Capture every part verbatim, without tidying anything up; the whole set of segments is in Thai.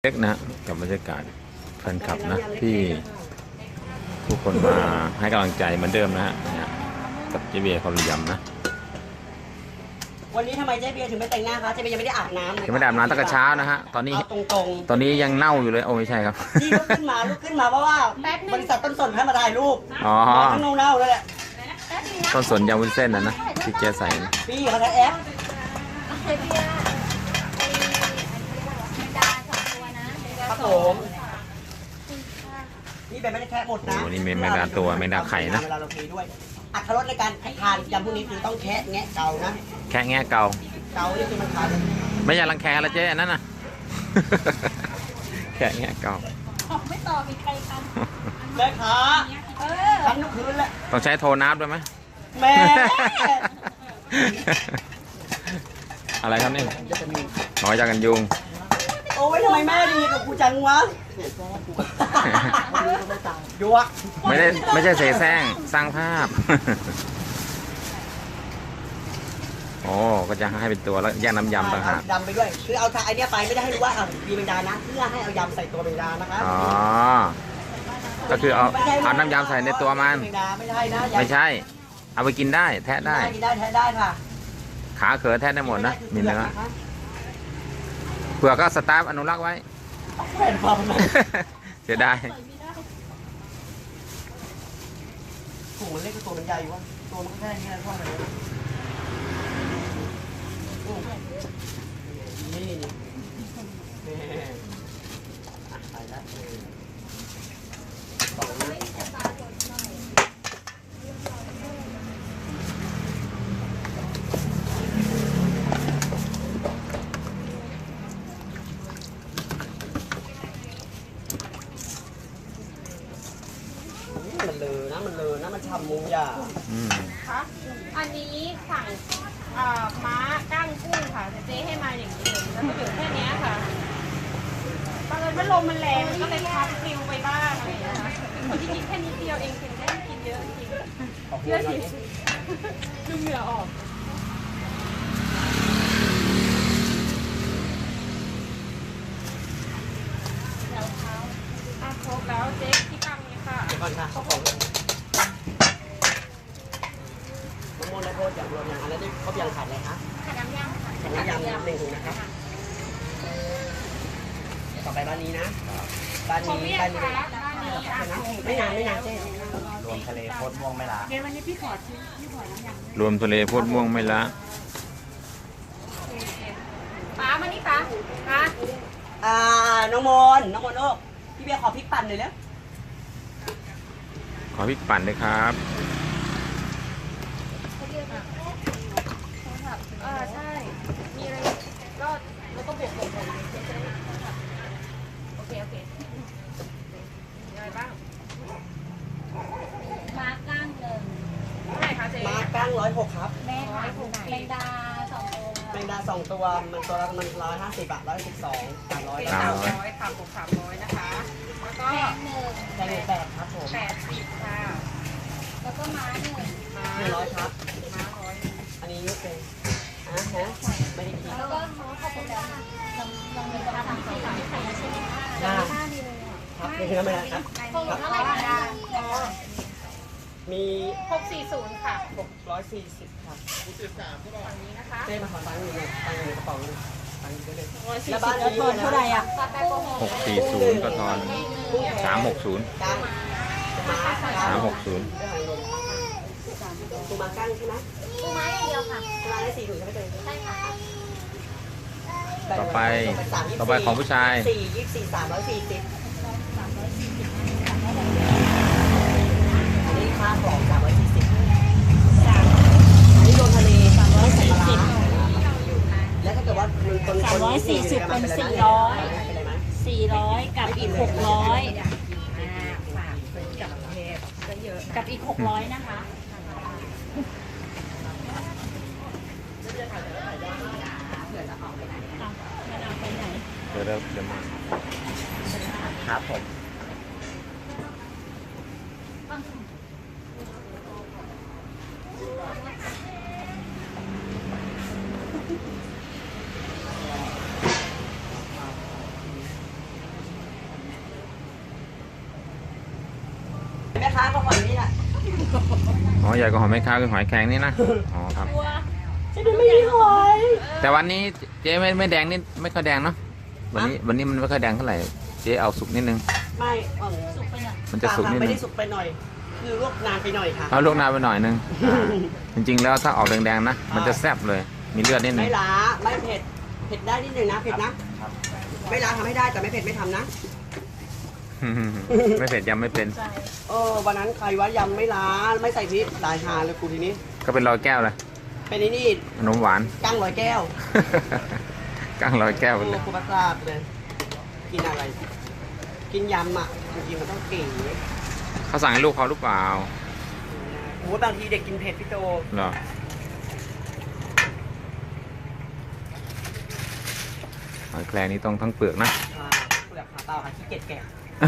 เล็กนะกับบรรยากาศแฟนคลับนะที่ผู้คนมาให้กำลังใจเหมือนเดิมนะฮะกับเจเบียร์คนยำนะวันนี้ทำไมเจ๊เบียร์ถึงไม่แต่งหน้าคะเจ๊เบียร์ยังไม่ได้อาบน้ำเลยยังไม่ได้อาบน้ำตั้งแต่เช้านะฮะตอนนี้ตรงๆตอนนี้ยังเน่าอยู่เลยโอ้ไม่ใช่ครับที่ลุกขึ้นมาลุกขึ้นมาเพราะว่าบริษัทต้นสนให้มาถ่ายรูปอ๋อทั้งเน่าๆเลยแหละต้นสนยำวุ้นเส้นนะนะที่เจ๊ใส่พี่เขาใช้แอปครับผมนี่แบบไม่ได้แค่หมดนะโอ้นี่แมงดาตัวแมงดาไข่นะเวลาเราเทด้วยอัตรสในการทานยำพวกนี้คือต้องแคะแงะเกานะแค่แง่เกาเกานี่คือมันทานไม่ใช่รังแคละเจ๊อันนั้นน่ะแค่แง่เกาไม่ต่อมีใครทำแม่ขาทำทุกคืนแหละต้องใช้โทนับด้วยไหมแม่อะไรครับนี่น้อยจากกันยุงโอ้ยทำไมแม่ดีกับกูจังวะดูวะไม่ได้ไม่ใช่เสแสร้งสร้างภาพโอ้ก็จะให้เป็นตัวแล้วแยกน้ำยำต่างหากยำไปด้วยคือเอาไอเนี้ยไปไม่ได้ให้รู้ว่าอ่ะมีเมงดานะเพื่อให้เอายำใส่ตัวเมงดานะคะอ๋อก็คือเอาเอาน้ำยำใส่ในตัวมันไม่ใช่นะไม่ใช่เอาไปกินได้แทะได้กินได้แทะได้ค่ะขาเขือแทะได้หมดนะมีเนื้อเผื่อก็สตาร์ฟอนุรักษ์ไว้เสียดายถุงมันเล็กกับตัวมันใหญ่วะตัวมันแค่นี้เท่าไหร่นี่นี่ไปแล้วสองมันเลอนะมันเลอนะมันฉ่ำมุงยาคะอันนี้สั่งม้าก้างกุ้งค่ะเจ๊ให้มาอย่างนี้เลยแล้วก็อยู่แค่นี้ค่ะบังเอิญว่าลมมันแรงก็เลยพับปลิวไปบ้างอะไรอย่างเงี้ยคนที่กินแค่นิดเดียวเองถึงได้กินเยอะจริงเชื่อสิดูเหงื่อออกแล้วเท้าอ่ะครบแล้วเจ๊ที่ตั้งนี้ค่ะก่อนค่ะเขาของมะม่วงและโทษอย่างรวมอย่างอะไรนี่เขายังขาดอะไรคะขาดน้ำยำค่ะขาดน้ำยำหนึ่งถุงนะครับต่อไปบ้านนี้นะบ้านนี้บ้านนี้ไม่นานไม่นานเจ๊รวมทะเลโคตรม่วงไม่ละเดี๋ยววันนี้พี่ขอชิมพี่ขอน้ำยำรวมทะเลโคตรม่วงไม่ละป้ามานี่ป้าป้าอ่าน้องมนน้องมนโอ้พี่เบียร์ขอพริกปั่นหน่อยแล้วขอพริกปั่นด้วยครับเออใช่มีอะไรก็แล้วก็บวกบวกบวกโอเคโอเคมีอะไรบ้างมาก้างหนึ่งเท่าไหร่คะเจ๊มาก้างร้อยหกครับแม่ขายแมงดาสองตัวแมงดาสองตัวมันตัวละมันร้อยห้าสิบบาทร้อยสิบสองสามร้อยสามร้อยค่ะบวกสามร้อยนะคะแล้วก็แพงหนึ่งแพงแปดครับผมแปดสิบค่ะแล้วก็ม้าหนึ่งม้าหนึ่งร้อยครับม้าร้อยอันนี้ยุบเป็นอ่ะฮะไม่ได้กินแล้วก็เขาเข้าไปแล้วลองลองมีกระทำใส่ใส่ใส่ใช่ไหมคะได้ครับไม่ใช่ไม่ได้ครับพวกเท่าไหร่คะมีหกสี่ศูนย์ค่ะหกร้อยสี่สิบครับหกสิบสามฝั่งนี้นะคะเต้มาขอตังค์หนึ่งตังค์ในกระเป๋าหนึ่งตังค์ได้เลยแล้วบ้านนี้เท่าไหร่อ่ะหกสี่ศูนย์ก็ทอนสามหกศูนย์สามหกศูนย์ปูมากั้งใช่ไหมปูม้าอย่างเดียวค่ะปูมาได้สี่ถุงใช่ไหมเต้ใช่ค่ะต่อไปต่อไปของผู้ชายสี่ยี่สี่สามร้อยสี่สิบอันนี้ค่าของสามร้อยสี่สิบอันนี้โดนทะเลสามร้อยสี่สิบแล้วถ้าเกิดว่าคนสามร้อยสี่สิบเป็นสี่ร้อยสี่ร้อยกับอีกหกร้อยกับอีกหกร้อยนะคะเดี๋ยวเดี๋ยวมาครับผมค้าก็ฝั่งนี้แหละอ๋อใหญ่กว่าหอยแมงคาคือหอยแครงนี่นะอ๋อครับจะได้ไม่มีหอยแต่วันนี้เจ๊ไม่ไม่แดงนี่ไม่ค่อยแดงเนาะวันนี้วันนี้มันไม่ค่อยแดงเท่าไหร่เจ๊เอาสุกนิดนึงไม่เออสุกไปหน่อยมันจะสุกนิดไม่นึได้งสุกไปหน่อย คือลวกนานไปหน่อยค่ะเอาลวกนานไปหน่อยนึงอ่าจริงๆแล้วถ้าออกแดงๆนะมันจะแซ่บเลยมีเลือดนิดนึไม่งล้าไม่เผ็ดเผ็ดได้นิดหนึ่งนะเผ็ดนะไม่ล้าทำให้ได้แต่ไม่เผ็ดไม่ทำนะไม่เผ็ดยำไม่เป็นเออวันนั้นใครว่ายำไม่ล้าไม่ใส่พริกหลายหาเลยกูทีนี้ก็เป็นรอยแก้วเลยเป็นไอ้นี่ขนมหวานกั้งร้อยแก้วกั้งรอยแก้วโอ้เลยกูประสาทเลย กินอะไร กินยำอ่ะจริงๆมันต้องเก่งเขาสั่งให้ลูกเขาหรือเปล่าโอ้บางทีเด็กกินเผ็ดพี่โตเหรอหอยแครงนี่ต้องทั้งเปลือกนะอ่าเปลือกขาเปล่าค่ะขี้เกียจแกะ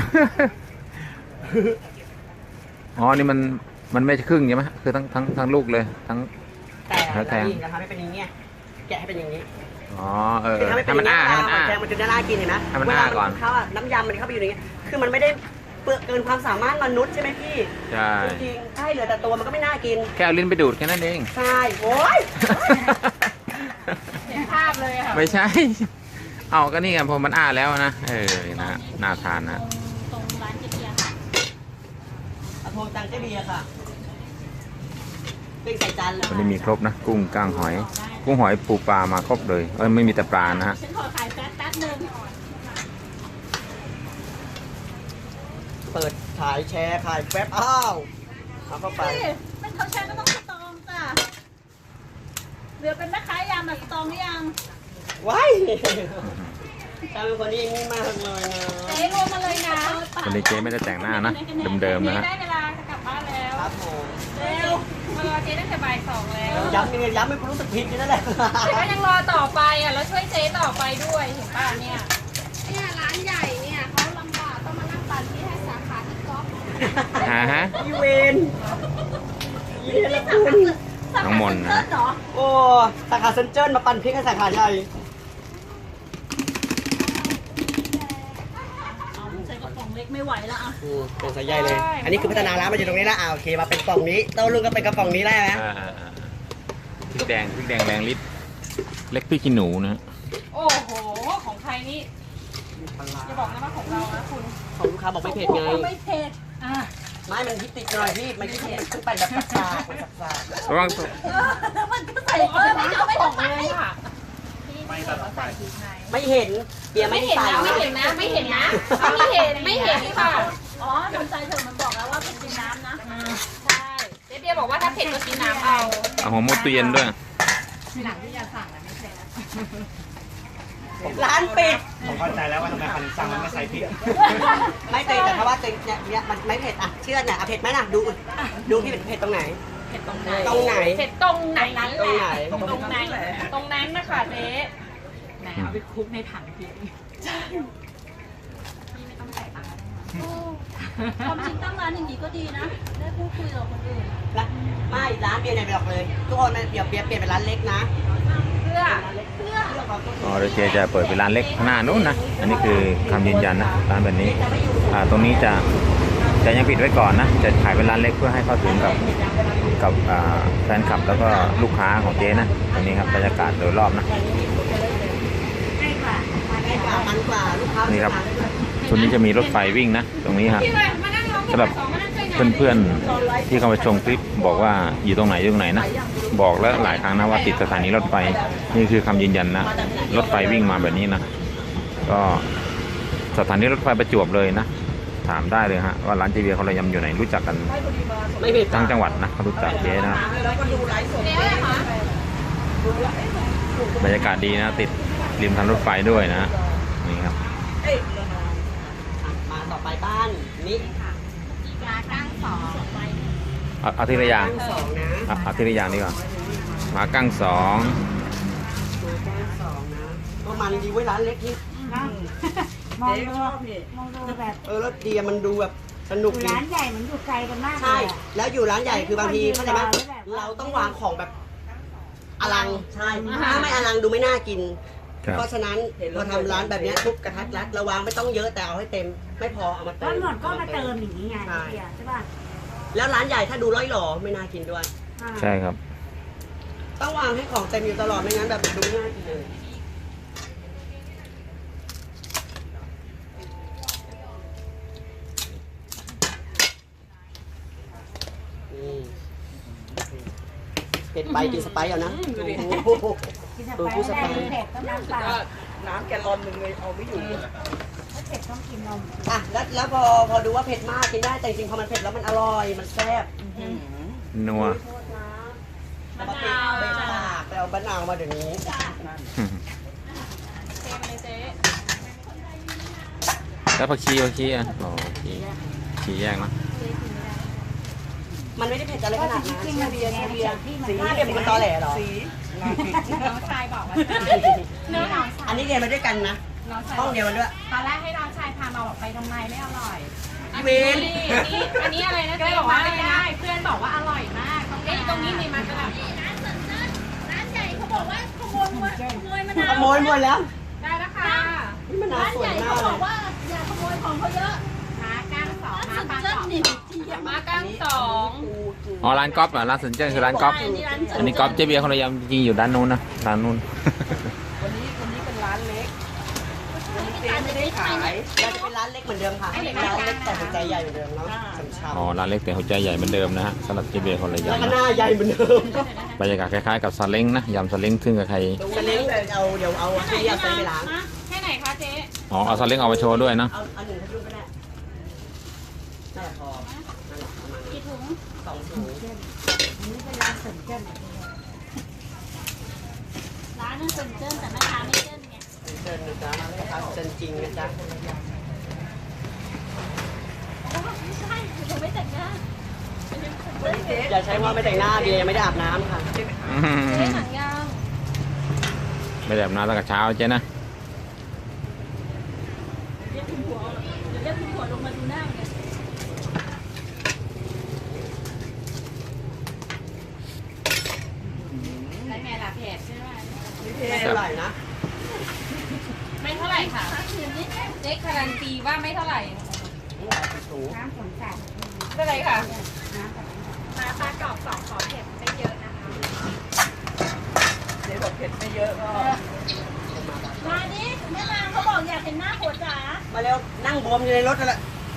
อ๋อนี่มันมันไม่ใช่ครึ่งใช่ไหมคือทั้งทั้งทั้งลูกเลยทั้งแต่หอยแครงนี่จะทำให้เป็นอย่างเงี้ยแกะให้เป็นอย่างนี้อ๋อเออคือทำให้เป็นให้อย่ามันงนี้อ้าให้มันอ้าแกงมันจะน่ากินเห็นไหมให้มันเวลาอ้าก่อนเขาอะน้ำยำมันเข้าไปอยู่ในนี้คือมันไม่ได้เปลือกเกินความสามารถมนุษย์ใช่ไหมพี่ใช่จริงๆใช่เหลือแต่ตัวมันก็ไม่น่ากินแค่เอาลิ้นไปดูดแค่นั้นเองใช่โอ้ยเห็นภาพเลยค่ะไม่ใช่ เอาก็นี่ไงพอมันอ้าแล้วนะเออนะน่าทานนะตรงร้านเจเบียร์ค่ะเอาโทรตังเจ๊เบียร์ค่ะเป็นใส่จานเลยวันนี้มีครบนะกุ้งก้างหอย กุ้งหอยปูปลามาครบเลยเออไม่มีแต่ปลานะฮะฉันขอขายแป๊บแป๊บหนึงเปิดขายแชร์ขายแป๊บอ้าวเอาเข้าไปนี่เป็นเขาใช้ก็ต้องสตองจ้ะเหลือเป็นแม่ค้ายำแบบสตองหรือยังว้ายจำเป็นคนที่นี่มากเลยนะเจ๊รวมมาเลยนะวันนี้เจ๊ไม่ได้แต่งหน้านะเดิมๆนะเจ๊ฮะได้เวลาจะกลับบ้านแล้วครับผมเร็วมารอเจ๊ตั้งแต่บ่ายสองแล้วย้ำยังไงย้ำไม่รู้สึกผิดอยู่นั่นแหละแต่ก็ยังรอต่อไปอ่ะแล้วช่วยเจ๊ต่อไปด้วยเห็นป่ะเนี่ยเนี่ยร้านใหญ่เนี่ยเขาลำบากต้องมานั่งปั่นที่ให้สาขาที่ก๊อฟฮะฮะอีเวนอีเวนละคุณน้องมนต์นะเหรอโอ้สาขาเซนเจิ้นมาปั่นพริกให้สาขาใหญ่เอาใส่กระป๋องเล็กไม่ไหวแล้วอ่ะอืมเป็นสายใหญ่เลย อันนี้คือพัฒนาร้านมาอยู่ตรงนี้แล้วอ่าโอเคมาเป็นกล่องนี้โต้รุ่งก็เป็นกระป๋องนี้ได้ไหมอ่าพริกแดงพริกแดงแรงลิตรเล็กพริกขี้หนูนะโอ้โหของใครนี่จะบอกนะว่าของเรานะคุณของลูกค้าบอกไม่เผ็ดไงไม่เผ็ดอ่ะไม่มันพริกติดหน่อยพี่มันพริกติดมันขึ้นไปแบบสักๆมันสักระวังมันก็ใส่เอเอออไม่ไม่เอาเอาไม่ไม่ขต้ออง งเลยค่ะๆไม่เห็นเบียร์ไม่ไม่เห็นใส่นะไม่เห็นนะไม่เห็นนะไม่เห็นไม่เห็นค่ะอ๋อทำใจเถอะมันบอกแล้วว่าเป็นกินน้ำนะใช่เจ๊เบียร์บอกว่าถ้าเผ็ดก็กินน้ำเอาเอาหัวหมูเตียนด้วยร้านปิดผมเข้าใจแล้วว่าทำไมคันสั่งมันไม่ใส่พริกไม่เต็แต่เพราะว่าเต็เนี่ยเนี่ยมันไม่เผ็ดอ่ะเชื่อหน่อยอ่ะเผ็ดไหมน่ะดูดูที่เผ็ดตรงไหนเผ็ดตรงไหนตรงไหนเผ็ดตรงไหนนั้นตรงไหนตรงนั้นตรงนั้นนะคะเจ๊ไหนเอาไปคลุกในถังพี่ความจริงตั้งร้านอย่างนี้ก็ดีนะ ได้พูดคุยกับคนอื่นนะไม่ร้านเบียร์ไหนไปหรอกเลย ทุกคนเดี๋ยวเบียร์เปลี่ยนเป็นร้านเล็กนะเพื่อเพื่อเรื่องของตัวอ๋อเดี๋ยวเจ๊จะเปิดเป็นร้านเล็กข้างหน้านู้นนะอันนี้คือคำยืนยันนะร้านแบบนี้อ่าตรงนี้จะจะยังปิดไว้ก่อนนะจะขายเป็นร้านเล็กเพื่อให้เข้าถึงกับกับอ่าแฟนคลับแล้วก็ลูกค้าของเจ๊นะตรงนี้ครับบรรยากาศโดยรอบนะให้กว่ามันกว่าลูกค้านี่ครับชุดนี้จะมีรถไฟวิ่งนะตรงนี้ครับพี่เลยมานั่งร้องสำหรับสองมานั่งช่วยงานเพื่อนๆที่เข้ามาชมคลิปบอกว่าอยู่ตรงไหนอยู่ตรงไหนนะบอกแล้วหลายครั้งนะว่าติดสถานีรถไฟนี่คือคำยืนยันนะรถไฟวิ่งมาแบบนี้นะก็สถานีรถไฟประจวบเลยนะถามได้เลยฮะว่าร้านเจเบียร์เขาระยำอยู่ไหนรู้จักกันไม่เผ็ดทั้งจังหวัดนะเขารู้จักเจ๊นะครับแล้วก็ดูไลฟ์สดเจ๊อะไรคะบรรยากาศดีนะติดริมทางรถไฟด้วยนะนี่ครับมาต่อไปบ้านนี่ยาก้างสองไปเอาเอาทีละอย่างสองนะเอาเอาทีละอย่างดีกว่าหมากั้งสองตัวแก้วสองนะก็มันดีไว้ร้านเล็กนี่มองดูมองดูแบบเออรถดีอะมันดูแบบสนุกดีร้านใหญ่มันอยู่ไกลกันมากเลใช่ยอะแล้วอยู่ร้านใหญ่คือบางทีเข้าใจไหมเราต้องวางของแบบอลังใช่ถ้าไม่อลังดูไม่น่ากินครับเพราะฉะนั้นเราทำร้านแบบเนี้ยทุบกระทัดรัดเราวางไม่ต้องเยอะแต่เอาให้เต็ม ไม่พอเอามาก็เติมหมดก็มาเติมอย่างนี้ไงใช่เดียวใช่ป่ะแล้วร้านใหญ่ถ้าดูร้อยหล่อไม่น่ากินด้วยใช่ครับต้องวางให้ของเต็มอยู่ตลอดไม่งั้นแบบดูง่ายกินเลยนี่เผ็ดไปกินสไปซ์เอานะโอ้โหดูผู้สไปซ์เผ็ดต้องน้ำเปล่าน้ำแกลลอนหนึ่งเลยเอาไม่อยู่ถ้าเผ็ดต้องกินนมอ่ะแล้วแล้วพอพอดูว่าเผ็ดมากกินได้แต่จริงๆพอมันเผ็ดแล้วมันอร่อยมันแซ่บนัวโทษนะมะนาวไปตากไปเอามะนาวมาเดี๋ยวนี้เทมาเลยเจ๊แล้วผักชีผักชีอ่ะโอ้ผักชีชีแยกนะมันไม่ได้เผ็ดอะไรขนาดนั้นจริงๆมันเบียร์เบียร์ที่มันสีเค็มมันตอแหลเหรอน้องชายบอกว่าเนื้อน้องชายอันนี้เรียนมาด้วยกันนะน้องชายห้องเดียวกันด้วยตอนแรกให้น้องชายพามาบอกไปทำไมไม่อร่อย อันเวนี้รอันนี้อันนี้อะไรนะเจ๊บอกว่าไม่ได้เพื่อนบอกว่าอร่อยมากเอ๊ะตรงนี้มีมันกระดับร้านใหญ่เขาบอกว่าขโมยมะขโมยมะนาวขโมยหมดแล้วได้แล้วค่ะนี่มะนาวร้านสวใหยญ่มาเขากบเลอกยว่าอย่าขโมยของเขาเยอะม้าก้างสองม้าปลาเจ้าสองนี่ที่อย่าม้าก้างสองอ๋อร้านก๊อฟเหรอร้านสนเจนคือร้านก๊อฟอันนี้ก๊อฟเจเบียร์คนละยำจริงๆอยู่ด้านนู้นนะร้านนู้นวันนี้วันนี้เป็นร้านเล็กวันนี้เจ๊ไม่ได้ขายเราจะเป็นร้านเล็กเหมือนเดิมค่ะเป็นร้านเล็กแต่หัวใจใหญ่เหมือนเดิมเนาะช้ำอ๋อร้านเล็กแต่หัวใจใหญ่เหมือนเดิมนะฮะสำหรับเจเบียร์คนละๆแล้วยำก็หนะน้าใหญ่เหมือนเดิมบรรยากาศคล้ายๆกับซาเล้งนะยำซาเล้งซึ่งกับใครจะเล้งเอาเดี๋ยวเอาที่เอาไปล้างแค่ไหนคะเจ๊อ๋อเอาซาเล้งเอาไปโชว์ด้วยนะเอาเอาหนึ่งพันลูกก็ได้นั่นแหละพอนั่นแหละประมาณนี้กี่ถุงสองถุงนี่เป็นร้านเสริมเจิ้นร้านนึงเสริมเจิ้นแต่แม่ค้าไม่เจิ้นไงเชิญนะจ๊ะราคาเชิญจริงนะจ๊ะไม่ใช่ผมไม่แต่งหน้าอย่าใช้ว่าไม่แต่งหน้าเบียร์ยังไม่ได้อาบน้ำค่ะอืเจ๊มหนังยางไม่ได้แบบน้ำตั้งแต่เช้าเจ๊นะเรียกคุณผัวเรียกคุณผัวลงมาดูหน้ามันแล้วไงล่ะเผ็ดใช่ไหมไม่เท่าไหร่นะไม่เท่าไหร่ค่ะคืนนี้เจ๊การันตีว่าไม่เท่าไหร่ถุงน้ำฝนสาดไม่เป็นไรค่ะน้ำแบบมาปลากรอบสองขอเผ็ดไม่เยอะนะคะเจ๊บอกเผ็ดไม่เยอะก็มาดิแม่นางเขาบอกอยากเห็นหน้าผัวจ๋ามาเร็วนั่งบวมอยู่ในรถกันแหละ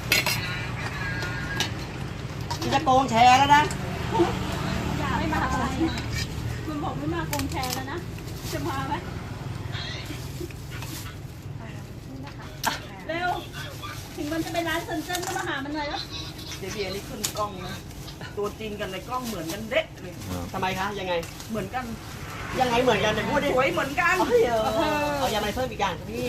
นี่จะโกงแชร์แล้วนะอยากไม่มาอะไรมันบอกไม่มากงแชร์แล้วนะ จะมาไหมเร็ว ถึงมันจะเป็นร้านเซนเจนก็มาหามันหน่อยแล้วเจเบียร์นี่ขึ้นกล้องนะ ตัวจริงกันในกล้องเหมือนกันเด็ดเลยทำไมคะยังไงเหมือนกันยังไงเหมือนกันแต่พูดดิสวยเหมือนกันเอาเถอะเอายามาเพิ่มอีกอย่างครับพี่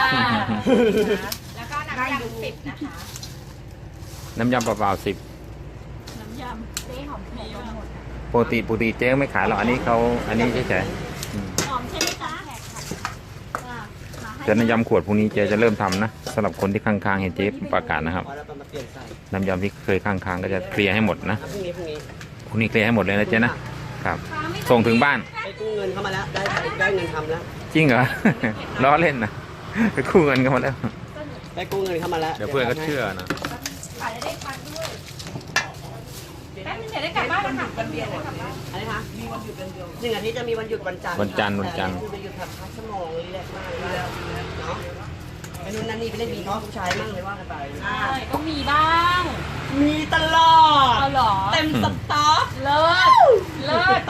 แล้วก็น้ำยำสิบนะคะน้ำยำเปล่าๆสิบน้ำยำเจ๊หอมเผ็ดหมดปกติปกติเจ๊ไม่ขายหรอกอันนี้เขาอันนี้เฉยๆอืมหอมใช่ไหมจ๊ะอ่ะมาให้แต่น้ำยำขวดพวกนี้เจ๊จะเริ่มทำนะสำหรับคนที่ค้างๆเห็นเจ๊ประกาศนะครับพอแล้วมาเปลี่ยนใส่น้ำยำที่เคยค้างๆก็จะเคลียร์ให้หมดนะพรุ่งนี้พรุ่งนี้พวกนี้เคลียร์ให้หมดเลยนะเจ๊นะครับ ส่งถึงบ้านไปกู้เงินเข้ามาแล้วได้ได้เงินทำแล้วจริงเหรอ ล้อเล่นนะไปคู่เงินกันมาแล้วได้กู้เงินเข้ามาแล้วเดี๋ยวเพื่อนก็เชื่อนะขายได้พันด้วยแป๊บนึงเดี๋ยวได้กลับบ้านแล้วค่ะกันเบียร์หมดอะไรคะมีวันหยุดกันเดียวหนึ่งอาทิตย์จะมีวันหยุดวันจันทร์วันจันทร์วันจันทร์แต่อัคือไปหยุดพักสมองรีแลกซ์มากเลยเนาะไปนู่นนั่นนี่ไปเล่นบีน้องผู้ชายมั่งเลยว่ากันไปอ่าใช่ก็มีบ้างมีตลอดเอาเหรอเต็มสต็อกเลิศเลิศ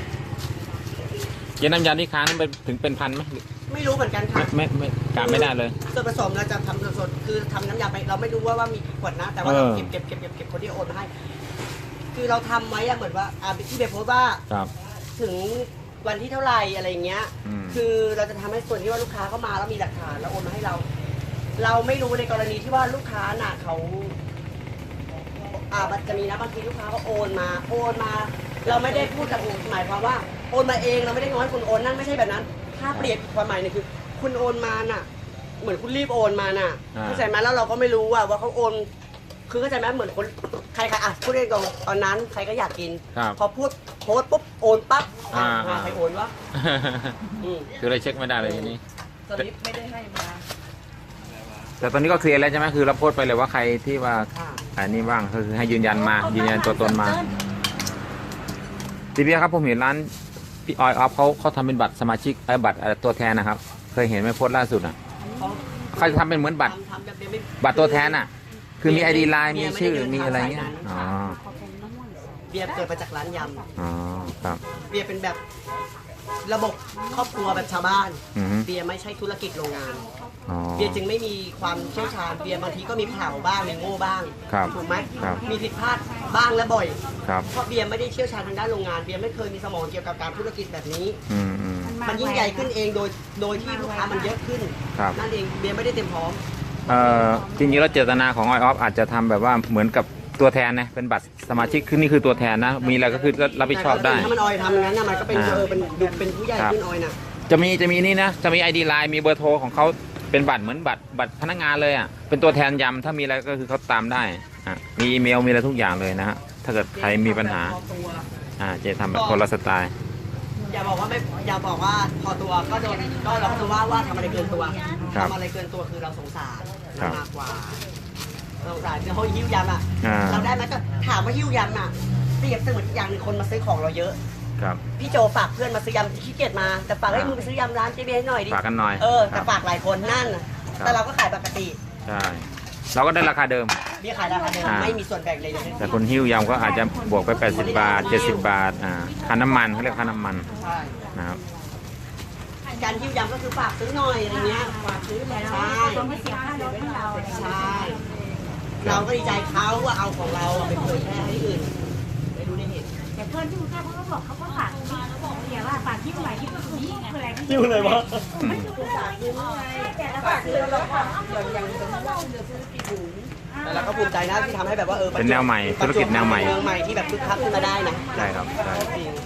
เจ๊น้ำยำที่ค้างนั้นเป็นถึงเป็นพันไหมไม่รู้เหมือนกันไม่ค่ะไม่ไม่กะไม่ได้เลยส่วนผสมเราจะทำสดๆคือทำน้ำยาไปเราไม่รู้ว่าว่ามีกี่ขวดนะ แต่ว่าเราเออเก็บเก็บเก็บเก็บเก็บคนที่โอนมาให้ คือเราทำไว้อะเหมือนว่าอ่าที่เบยโพสต์ว่าครับถึงวันที่เท่าไหร่อะไรอย่างเงี้ยอืมคือเราจะทำให้ส่วนที่ว่าลูกค้าเข้ามาแล้วมีหลักฐานแล้วโอนมาให้เรา เราไม่รู้ในกรณีที่ว่าลูกค้าน่ะเขา อ่ามันจะมีนะบางทีลูกค้าเขาโอนมา โอนมา เราไม่ได้พูดกับหมายความว่าโอนมาเองเราไม่ได้ง้อยคุณโอนนั่นไม่ใช่แบบนั้น ถ้าเปรียบความหมายเนี่ยคือ คุณโอนมาน่ะ เหมือนคุณรีบโอนมาน่ะอ่าเข้าใจไหมแล้วเราก็ไม่รู้ว่าว่าเขาโอน คือเข้าใจไหมเหมือนคนใครๆอ่ะพูดได้ตรงตอนนั้นใครก็อยากกินครับพอพูดโพสต์ปุ๊บโอนปั๊บอ่าอ่าใครโอนวะอืมคือเลยเช็คไม่ได้เลยทีนี้สลิปไม่ได้ให้มาอแต่ตอนนี้ก็เคลียร์แล้วใช่ไหมคือเราโพสต์ไปเลยว่าใครที่ว่าค่ะอันนี้บ้างก็คือให้ยืนยันมายืนยันตัวตนมาทีเบียครับผมเห็นร้านพี่ออยออฟเขาเขาทำเป็นบัตรสมาชิกไอ้บัตรเอ่อตัวแทนนะครับ เคยเห็นไหมโพสต์ล่าสุดอ่ะเขาเขาจะทำเป็นเหมือนบัตรทำทำแบบเดียวไม่บัตรตัวแทนอ่ะ คือมีไอดีไลน์เบีมียร์ชื่อไม่ได้เดินมีอะไรทางเงี้ยสายนั้นอ๋อเบียร์เกิดมาจากร้านยอ๋อครับำเบียร์เป็นแบบระบบครอบครัวแบบชาวบ้านอือฮึเบียร์ไม่ใช่ธุรกิจโรงงานอ๋อเบียร์จึงไม่มีความเชี่ยวชาญเบียร์บางทีก็มีเผลาบ้างมีโง่บ้างครับถูกไหมครับมีผิดพลาดบ้างและบ่อยครับเพราะเบียร์ไม่ได้เชี่ยวชาญทางด้านโรงงานเบียร์ไม่เคยมีสมองเกี่ยวกับการธุรกิจแบบนี้อืมอืมมันยิ่งใหญ่ขึ้นเองโดยโดยที่ลูกค้ามันเยอะขึ้นครับนั่นเองเบียร์ไม่ได้เต็มพร้อมเอ่อจริงๆแล้วเจตนาของออยออฟอาจจะทำแบบว่าเหมือนกับตัวแทนนะเป็นบัตรสมาชิกคือนี่คือตัวแทนนะ มีอะไรก็คือรับผิดชอบได้แต่ถ้ามันออยทำอย่างนั้นนะมันก็เป็นอ่าเออเป็นดูเป็นผู้ใหญ่ขึ้นออยน่ะจะมีจะมีนี่นะจะมีไอดีไลน์มีเบอร์โทรของเขาเป็นบัตรเหมือนบัตรบัตรพนักงานเลยอ่ะเป็นตัวแทนยำถ้ามีอะไรก็คือเขาตามได้อ่ะมีอีเมลมีอะไรทุกอย่างเลยนะฮะถ้าเกิดใครมีปัญหาอ่าเจะทำแบบคนละสไตล์อย่าบอกว่าไม่อย่าบอกว่าพอตัวก็โดนก็เราจะว่าว่าทำอะไรเกินตัวครับทำอะไรเกินตัวคือเราสงสารครับมากกว่าเราสงสารคือเขาหิ้วยำอ่ะอ่าเราได้ไหมก็ถามว่าหิ้วยำอ่ะเปรียบเสมือนอีกอย่างหนึ่งคนมาซื้อของเราเยอะครับพี่โจฝากเพื่อนมาซื้อยำขี้เกียจมาแต่ฝากให้มึงไปซื้อยำร้านเจเบียให้หน่อยดิฝากกันหน่อยเออคแต่รับฝากหลายคนนั่นน่ะครับแต่เราก็ขายปกติใช่เราก็ได้ราคาเดิมเบี้ยขายราคาเดิมอ่าไม่มีส่วนแบ่งเลยเลยแต่คนหิ้วยำก็อาจจะบวกไปแปดสิบบาทเจ็ดสิบบาทอ่าค่าน้ำมันเขาเรียกค่าน้ำมันใช่นะครับการหิ้วยำก็คือฝากซื้อหน่อยอะไรเงี้ยฝากซื้อใช่ต้องไม่เสียค่ารถให้เราอะไรอย่างเงี้ยใช่เราก็ดีใจเขาว่าเอาของเราไปเผยแพร่ให้อื่นไปดูในเหตุแต่เพื่อนที่กรุงเทพเขาก็บอกเขาก็ฝากเดี๋ยวว่าฝากที่ไหนที่ก็คือที่คืออะไรที่หิ้วเลยวะไม่รู้เรื่องแต่ละฝากคือเราฝากอย่างอย่างสมมติว่าเดี๋ยวซื้อกี่ถุงแต่เราก็ภูมิใจนะที่ทำให้แบบว่าเออเป็นแนวใหม่ธุรกิจแนวใหม่เมืองใหม่ที่แบบคึกคักขึ้นมาได้นะใช่ครับใช่จริง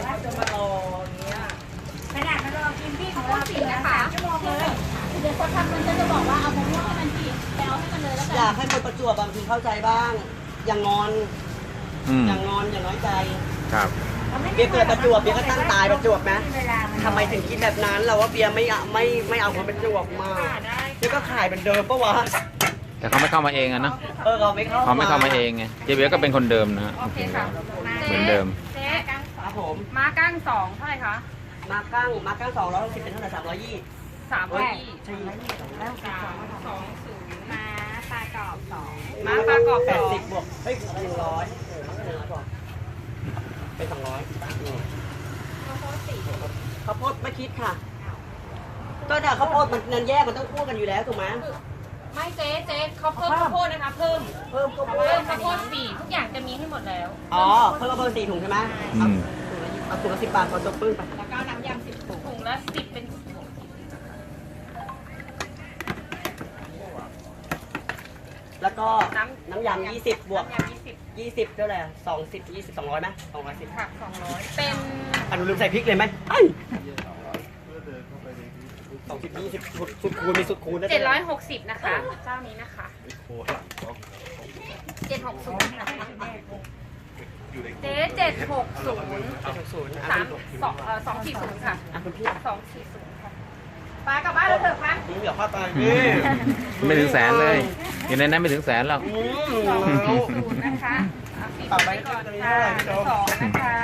ขนาดมันรอกินพี่ของเราสี่นะคะชั่วโมงเลยเดี๋ยวคนทำมันก็จะบอกว่าเอามะม่วงให้มันจีบไปเอาให้มันเลยแล้วอกันยากให้คนประจวบบางทีเข้าใจบ้าง อย่างงอนอืมอย่างงอนอย่างน้อยใจครับเบียร์เกิดประจวบเบียร์ก็ตั้งตายประจวบนะทำไมถึงคิดแบบนั้นเราว่าเบียร์ไม่เอาไม่ไม่เอาคนประจวบมาเบียร์ก็ขายเหมือนเดิมปะวะแต่เขาไม่เข้ามาเองอะเนอะเออเราไม่เข้าเขาไม่เข้ามาเองไงเจเบียก็เป็นคนเดิมนะฮะโอเคค่ะเหมือนเดิมเจ๊กั้งครับผมม้ากั้งสองเท่าไหร่คะมากั้งมากั้งสองร้อยหกสิบเป็นเท่าไหร่สามร้อยยี่สามร้อยยี่ใช่สามสองศูนย์ม้าปลากรอบสองมาม้าปลากรอบแปสดองสิบบวกเฮ้ยหนึ่งร้อยหนึ่งร้อยกว่าเป็นสองร้อยข้าวโพดไม่คิดค่ะ ก็แต่ข้าวโพดมันนันแยกมันต้องคู่กันอยู่แล้วถูกไหมไม่เจ๊เจ๊เขาเพิ่มข้าวโพดนะคะเพิ่มเพิ่มข้าวโพเพิ่ดมข้าวโพดสี่ทุกอย่างจะมีให้หมดแล้วอ๋อเพิ่มข้าวโพดสี่ถุงใช่ไหมอืมเอาถุงละสิบบาทพอจบปึ้งไปแล้วก็น้ำยำสิบถุงละสิบเป็นถุงแล้วก็น้ำยำยี่สิบบวกน้ำยำยี่สิบยี่สิบเท่าไหร่สองสิบยี่สิบสองร้อยไหมสองร้อยสิบผักสองร้อยเป็นอ่ะหนูลืมใส่พริกเลยไหมไอ้สองสิบยี่สิบสุดสุดคูณมีสุดคูณด้วยเจ็ดร้อยหกสิบนะคะ เจ้านี้นะคะเจ็ดหกศูนย์เจ๊เจ็ดหกศูนย์เจ็ดหกศูนย์สามสองเอ่อสองสี่ศูนย์ค่ะอ่ะคุณพี่สองสี่ศูนย์ค่ะไปกลับบ้านแล้วเถอะคะนี่เหลือข้าวตาอืมไม่ถึงแสนเลยอยู่ในนั้นไม่ถึงแสนหรอกอืสองมศูนย์นะคะเอาปิดไว้ก่อนค่ะสองนะคะ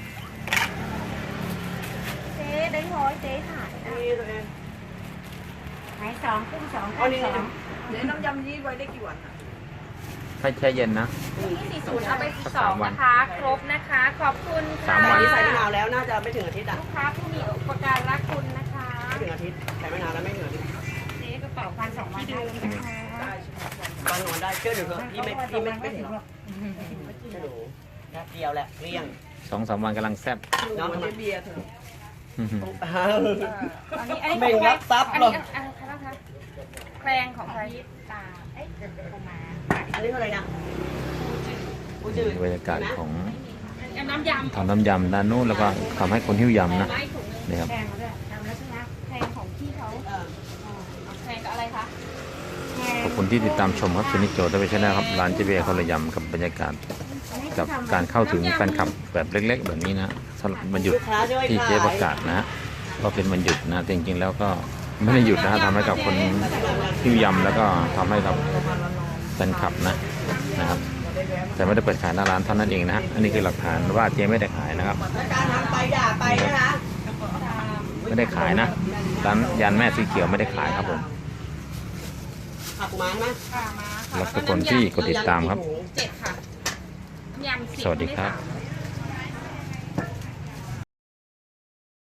เจ๊ได้ร้อยเจ๊ถ่ายนะนี่ตัวเองไหนสองขึ้นสองเอาขึ้นนี่สองเดี๋ยวน้ำยำยี่ไว้ได้กี่วันอะให้แช่เย็นนะที่สี่ศูนย์เอาไปสองนะคะ ครบนะคะ ขอบคุณสาค่ะมวัอันนี้ใส่มะนาวแล้วน่าจะไม่ถึงอาทิตย์อ่ะลูกค้าผู้มีอุปการรักคุณนะคะไม่ถึงอาทิตย์ใส่มะนาวแล้วไม่ถึงอาทิตย์เจ๊กระเป๋าพันสองที่เดิมนะคะบางนอนได้เชื่อหนูเถอะพี่ไม่พี่ไม่ไม่ถึงหรอกเชื่อหนูแป๊บเดียวแหละเรียงสองสามวันกำลังแซ่บน้องทำไมเบียร์เถอะอืมอันนี้อันนี้ไม่รับทรัพย์อันหรอกนี้อะไรคะบ้างคะแครงของใครตาเอ๊ะประมาณอันนี้เท่าไหร่นะปูจืดบรรยากาศของอันน้ำยำทำน้ำยำด้านนู้นแล้วก็ทำให้คนหิ้วยำนะไม้ถุงหนึงนี่ครับแพงมาด้วยทำแล้วใช่ไหมแครงของพี่เขาเออแครงกับอะไรคะขอบคุณที่ติดตามชมครับซูนิโจทวีชแนลครับร้านเจเบียคนละยำกับบรรยากาศกับการเข้าถึงแฟนคลับแบบเล็ก ๆ แบบนี้นะสำหรับวันหยุดลูกค้าช่วยที่ขาเจ๊ยประกาศนะฮะก็เป็นวันหยุดนะแต่จริงๆแล้วก็ไม่ได้หยุดนะทำให้กับคนที่ยำแล้วก็ทำให้กับแฟนคลับนะนะครับ แต่ไม่ได้เปิดขายหน้าร้านเท่านั้นเองนะฮะอันนี้คือหลักฐานว่าเจ๊ไม่ได้ขายนะครับและการทำไปอย่าไปนะคะไม่ได้ขายนะร้านยันแม่สีเขียวไม่ได้ขายครับผมผักมันไหมค่ะมาค่ะแล้วทุกคนที่กดติดตามครับเจ็ดค่ะยำสิบสวัสดีครับไม่สาม